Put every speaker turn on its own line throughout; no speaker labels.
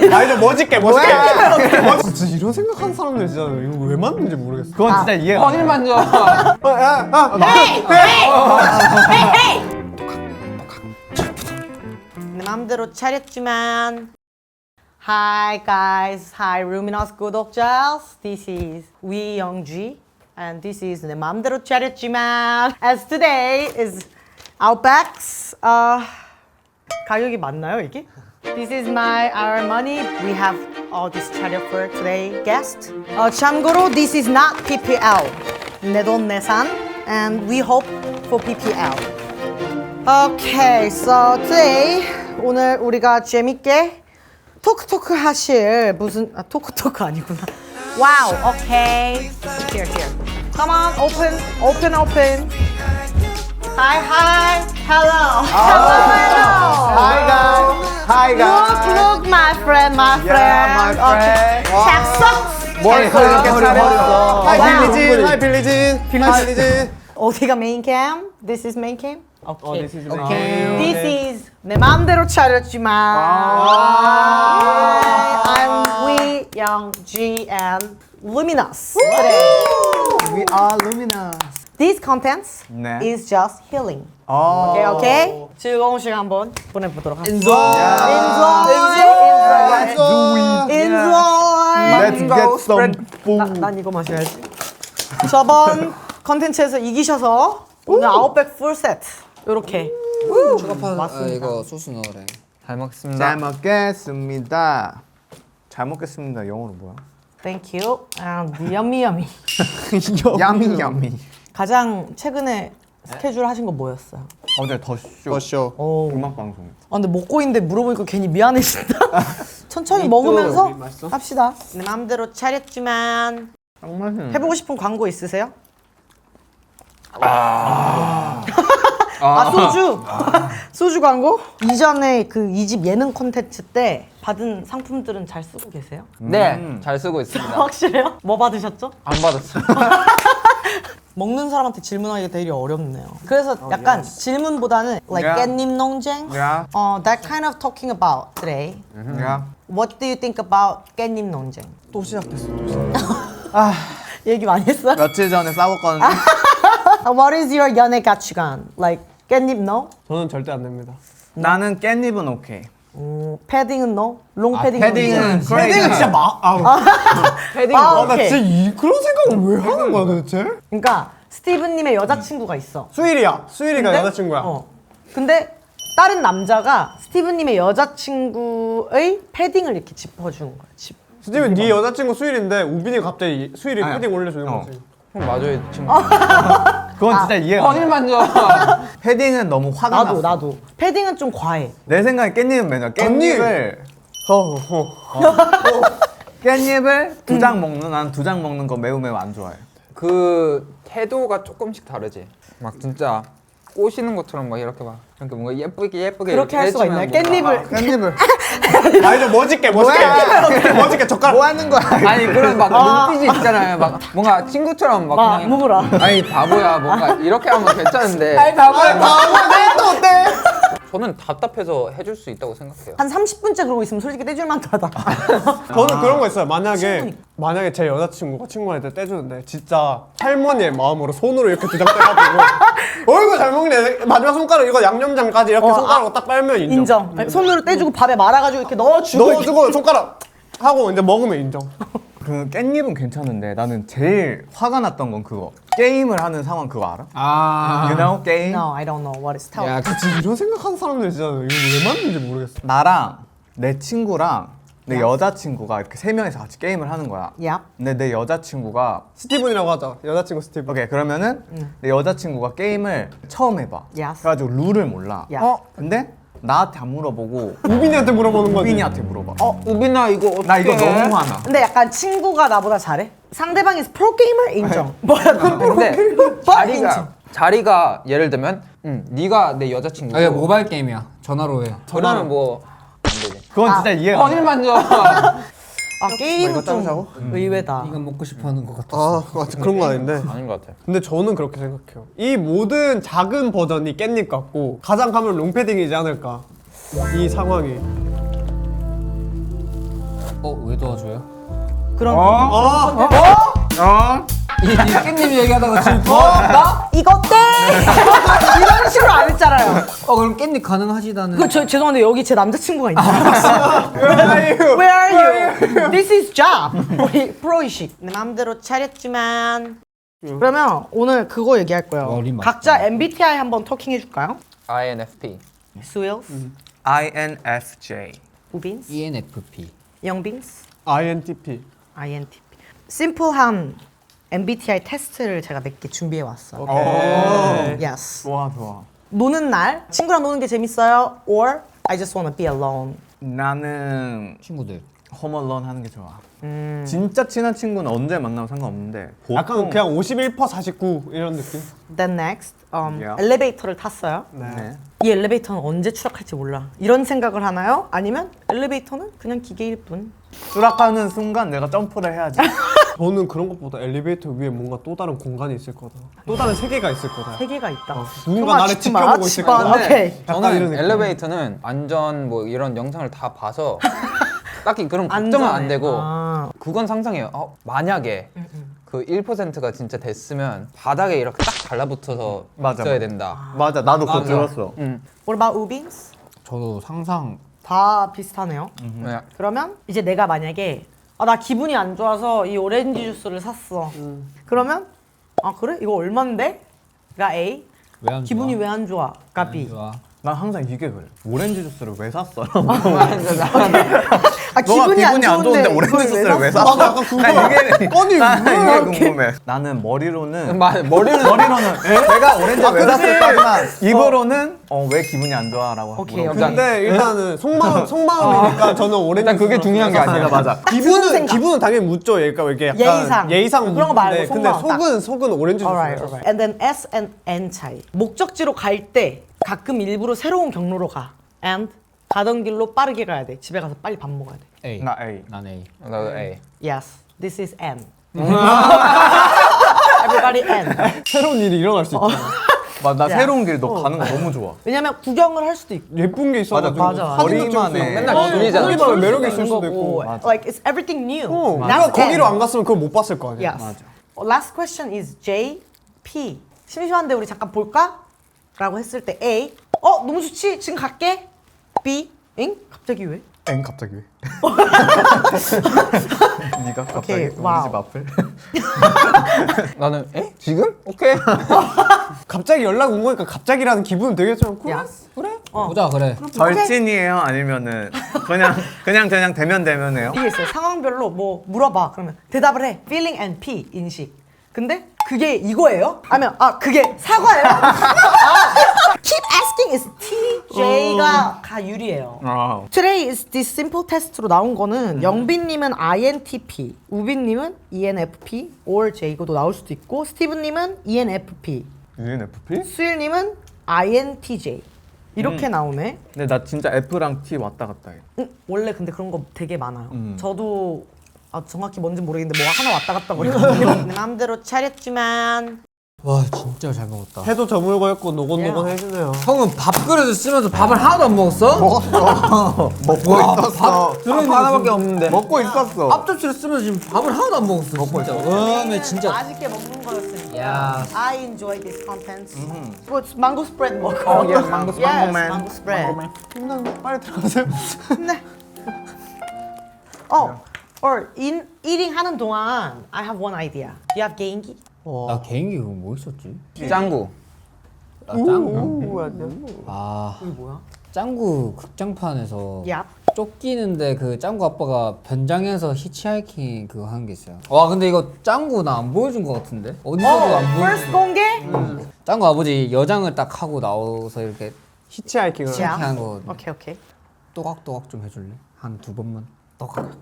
아니 좀 멋있게 진짜 이런 생각하는 사람들 진짜 이거 왜 맞는지 모르겠어.
그건 진짜 이해가 안 돼.
허니를 만져.
내 맘대로 차렸지만. Hi guys, hi Luminous 구독자. This is 위영지 and this is 내 맘대로 차렸지만. As today is Outback's 가격이 맞나요 이게? This is our money. We have all this 차려 for today guest. 참고로 this is not PPL. 내 돈 내산 and we hope for PPL. Okay, so today 오늘 우리가 재밌게 토크 하실 무슨 토크 아니구나. Wow, okay. Here. Come on, open. Hi, hello.
Hi guys.
Look, my friend.
my friend.
잭슨.
머리카락 이렇게 잘했어.
하이 빌리진.
어디가 메인 캠? This is main cam? Okay.
This is
This is 내 맘대로 차렸지만. I'm 위영지 and Luminous.
We are luminous.
This contents
네.
is just healing.
오.
Okay? 즐거운 시간 한번 보내보도록 하겠습니다. Enjoy.
Let's get some food.
난 이거 마셔야지. 저번 컨텐츠에서 이기셔서 오늘 아웃백 풀 세트 이렇게.
이거 소스 넣으래.
잘 먹겠습니다. 잘 먹겠습니다. 잘 먹겠습니다. 영어로 뭐야?
Thank you and yummy.
야미.
가장 최근에 스케줄 하신 거 뭐였어요?
어제 더쇼
오.
음악 방송.
근데 먹고 있는데 물어보니까 괜히 미안해진다. 천천히 먹으면서 합시다. 내 마음대로 차렸지만
딱 맛있네.
해보고 싶은 광고 있으세요? 소주 광고? 이전에 그 2집 예능 콘텐츠 때 받은 상품들은 잘 쓰고 계세요?
네, 잘 쓰고 있습니다.
확실해요? 뭐 받으셨죠?
안 받았어요.
먹는 사람한테 질문하기가 되게 어렵네요. 그래서 약간 질문보다는 like
Yeah.
깻잎 논쟁?
Yeah.
That kind of talking about today.
야.
What do you think about 깻잎 논쟁?
또 시작됐어.
얘기 많이 했어요?
며칠 전에 싸웠거든요.
What is your 연애 가치관? Like 깻잎 no?
저는 절대 안 됩니다.
나는 깻잎은 오케이.
패딩은 no? 롱 패딩
패딩은
패딩은 진짜
패딩.
나
오케이.
진짜 그런 생각을 왜 하는 거야 도대체?
그러니까 스티브님의 여자친구가 있어.
수일이가
근데?
여자친구야.
근데 다른 남자가 스티브님의 여자친구의 패딩을 이렇게 짚어주는 거야.
스티븐 네 여자친구 수일인데 우빈이 갑자기 수일이
아니야.
패딩 올려주는 거지.
맞아요, 친구.
그건 진짜 이해가 안 돼.
허니를 만져.
패딩은 너무 화가 났어.
나도. 패딩은 좀 과해.
내 생각에 깻잎은 맨날 깻잎을 깻잎을 두 장 먹는 난 두 장 먹는 거 매우 안 좋아해.
그 태도가 조금씩 다르지. 막 진짜 꼬시는 것처럼 막 이렇게 뭔가 예쁘게
그렇게 할 수가 있나요? 깻잎을.
아니 좀 멋있게 젓가락
뭐 하는 거야?
아니 그런 막 눈빛이 있잖아요. 막 뭔가 친구처럼 막 그냥
먹으라.
아니 바보야 뭔가 이렇게 하면 괜찮은데.
또 어때?
저는 답답해서 해줄 수 있다고 생각해요.
한 30분째 그러고 있으면 솔직히 떼줄 만하다.
저는 그런 거 있어요.
충분히.
만약에 제 여자친구가 친구한테 떼주는데 진짜 할머니의 마음으로 손으로 이렇게 두 장 떼가지고 어이구 잘 먹네. 마지막 손가락 이거 양념장까지 이렇게 손가락으로 딱 빨면 인정.
인정. 손으로 떼주고 밥에 말아가지고 이렇게 넣어주고.
넣어주고 손가락 하고 이제 먹으면 인정.
그 깻잎은 괜찮은데 나는 제일 화가 났던 건 그거. 게임을 하는 상황 그거 알아? You know 게임?
No, I don't know what is tell.
야,
진짜 이런 생각하는 사람들 진짜 이거 왜 맞는지 모르겠어.
나랑 내 친구랑 내 여자친구가 이렇게 세 명이서 같이 게임을 하는 거야.
Yep.
근데 내 여자친구가
스티븐이라고 하자. 여자친구 스티븐.
오케이 그러면은 내 여자친구가 게임을 처음 해봐.
Yes.
그래가지고 룰을 몰라.
Yeah.
근데 나한테 안 물어보고
우빈이한테 물어보는 거지.
우빈이한테 물어봐.
우빈아 이거 어떻게
나 이거 너무 화나.
근데 약간 친구가 나보다 잘해? 상대방이 프로게이머 인정. 뭐야, 그
근데
인정.
자리가 예를 들면 네가 내 여자친구고
아, 이게 모바일 게임이야. 전화로 해.
전화는 뭐 안 되지.
그건 진짜 이해가 안 돼.
허니를 만져.
게임은 좀 의외다.
이건 먹고 싶어하는 것 같았어.
그런 거 아닌데.
아닌 것 같아.
근데 저는 그렇게 생각해요. 이 모든 작은 버전이 깻잎 같고 가장 가면 롱패딩이지 않을까. 이 상황이.
왜 도와줘요?
그런
이 깻잎 얘기하다가 지금 도와준다?
이거 땡! 이런 식으로 안 했잖아요.
그럼 깻잎 가능하시다는.
죄송한데 여기 제 남자친구가 있나요? Where are you? This is job. 우리 프로이식. 내 맘대로 차렸지만. 그러면 오늘 그거 얘기할 거예요.
어린 맛.
각자 MBTI 한번 토킹 해줄까요?
INFP.
스윌스,
INFJ.
우빈스,
ENFP.
영빈스,
INTP.
INTP. 심플한 MBTI 테스트를 제가 몇 개 준비해 왔어요. Yes.
좋아 좋아.
노는 날 친구랑 노는 게 재밌어요. Or I just wanna be alone.
나는
친구들.
홈얼런 하는 게 좋아. 진짜 친한 친구는 언제 만나면 상관없는데
약간 그냥 51% 49 이런 느낌.
Then next,
Yeah.
엘리베이터를 탔어요.
네.
이 엘리베이터는 언제 추락할지 몰라. 이런 생각을 하나요? 아니면 엘리베이터는 그냥 기계일 뿐.
추락하는 순간 내가 점프를 해야지.
저는 그런 것보다 엘리베이터 위에 뭔가 또 다른 공간이 있을 거다. 또 다른 세계가 있을 거다.
세계가 있다.
누군가 나를
짓지 마,
지켜보고
짓지
있을
마.
거다.
오케이.
약간 이런
저는
느낌.
엘리베이터는 안전 뭐 이런 영상을 다 봐서 딱히 그런 걱정은
안전해.
안 되고
아.
그건 상상해요. 만약에 그 1%가 진짜 됐으면 바닥에 이렇게 딱 달라붙어서
맞아,
있어야
맞아.
된다.
맞아, 나도 그거
맞아.
들었어.
What about 우빈스?
저도 상상.
다 비슷하네요.
그냥
그러면 이제 내가 만약에 나 기분이 안 좋아서 이 오렌지 주스를 샀어. 그러면 그래? 이거 얼만데? 가 A.
왜 안
기분이
좋아?
왜 안 좋아? 가 B.
좋아.
난 항상 이게 그래. 오렌지 주스를 왜 샀어?
기분이 안 좋은데
오렌지
이걸
주스를 왜
샀어?
샀어?
나도 약간 궁금해.
아니,
왜?
이게 궁금해. 나는 머리로는
머리는
내가 오렌지 왜 샀을까지만 입으로는 왜 기분이 안 좋아라고 하고.
오케이, 오케이.
근데 일단은 속마음이니까 저는 오렌지.
일단 그게
주스를
중요한 게
샀어요.
아니야.
맞아.
기분은 당연히 묻죠. 얘가 이게 약간
예의상. 그런 거 말고
묻는데 근데
속마음
속은 오렌지
Alright,
주스.
alright. And then S and N 차이. 목적지로 갈 때 가끔 일부러 새로운 경로로 가. And 가던 길로 빠르게 가야 돼. 집에 가서 빨리 밥 먹어야 돼.
A.
나 A.
난 A.
나도 A.
Yes, this is N. Everybody N.
새로운 일이 일어날 수 있잖아.
나
야.
새로운 길 너 가는 거 너무 좋아.
왜냐면 구경을 할 수도 있고.
예쁜 게 있어가지고
맞아.
사진도 찍을 수
거리만에
있고.
맨날 줄이잖아.
거기만 매력이 있을 수도 있고.
Like it's everything new.
내가
That's
거기로
N.
안 갔으면 그걸 못 봤을 거 아니야.
Yes. Last question is J, P. 심심한데 우리 잠깐 볼까? 라고 했을 때 A. 너무 좋지. 지금 갈게. B. 응? 갑자기 왜?
엥 갑자기 왜? 네가 갑자기
오케이,
우리
와우.
집 앞을?
나는 지금? 오케이.
갑자기 연락 온 거니까 갑자기라는 기분은 되게 좀 그래?
Yes.
그래?
보자 그래.
절친이에요? 아니면은 그냥 되면 해요?
이게 있어요. 상황별로 뭐 물어봐. 그러면 대답을 해. Feeling and P. 인식. 근데 그게 이거예요? 아니면 그게 사과예요? Keep asking is T, J가 가 유리해요. Today is this simple test로 나온 거는 영빈님은 INTP, 우빈님은 ENFP or J고도 나올 수도 있고 스티브님은 ENFP,
ENFP?
수일님은 INTJ 이렇게 나오네.
근데 나 진짜 F랑 T 왔다 갔다 해.
원래 근데 그런 거 되게 많아요. 저도 정확히 뭔지 모르겠는데 뭐 하나 왔다 갔다 거리거든요. 내 마음대로 차렸지만
와 진짜 잘 먹었다.
해도 저물고 했고 노곤노곤 해주네요.
형은 밥그릇을 쓰면서 밥을 하나도 안 먹었어?
먹고 있었어.
들어있는 하나밖에 없는데.
먹고 있었어.
앞접시를 쓰면서 지금 밥을 하나도 안 먹었어. 먹고 진짜. 음에 진짜.
맛있게 먹는 거였으니까.
야.
I enjoy this content. 뭐 망고 스프레드 먹어.
yes, mango man.
망고 스프레드.
힘나는 빨리 들어가세요.
네. or eating 하는 동안 I have one idea. Do you have 개인기?
나 개인기 그거 뭐 있었지?
짱구.
나 짱구.
이게 뭐야?
짱구 극장판에서
얍.
쫓기는데 그 짱구 아빠가 변장해서 히치하이킹 그거 하는 게 있어요. 와 근데 이거 짱구 나 안 보여준 것 같은데? 어디서도 안
first
보여준.
공개?
짱구 아버지 여장을 딱 하고 나와서 이렇게
히치하이킹을.
야.
하는 거
오케이.
또각또각 좀 해줄래? 한 2번만. 또각.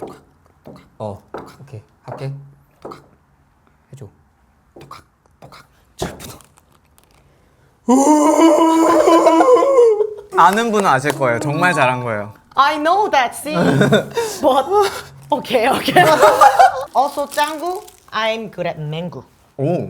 오케이 할게. 또각 해줘.
아는 분은 아실 거예요. 정말 잘한 거예요.
I know that scene. But okay. Also 짱구, I'm good at mango.
오.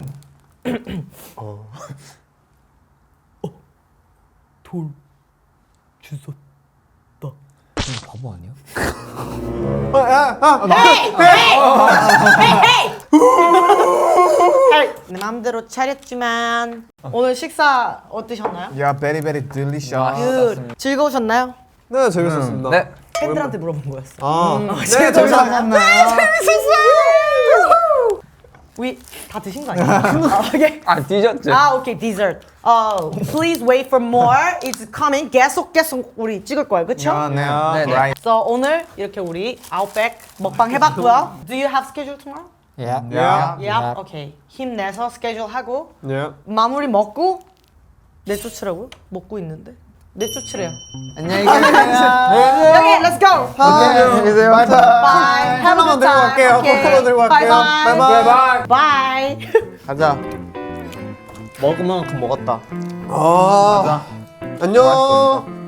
바보 아니야?
내 맘대로 차렸지만 오늘 식사 어떠셨나요?
야, very very delicious.
굿. 즐거우셨나요?
네, 재밌었습니다.
네.
팬들한테 물어본 거였어.
네,
재밌었나요?
우리 다 드신 거 아니에요? 오케이.
아 디저트.
오케이, dessert. Please wait for more. It's coming. 계속 우리 찍을 거예요, 그렇죠?
네.
네.
Right.
So 오늘 이렇게 우리 아웃백 먹방 해봤고요. Do you have schedule tomorrow?
Yeah.
Yeah.
Yeah. 오케이. 힘내서 스케줄 하고
네.
마무리 먹고 내쫓으라고요? 먹고 있는데 내쫓으래요.
안녕히 계세요.
Okay, let's go.
안녕히 계세요.
Bye. Have a
콜라만
good
들고
time.
갈게요.
Okay.
콜라만 들고 갈게요.
Bye bye.
바이바이.
Bye.
가자. 먹을 만큼 먹었다.
안녕.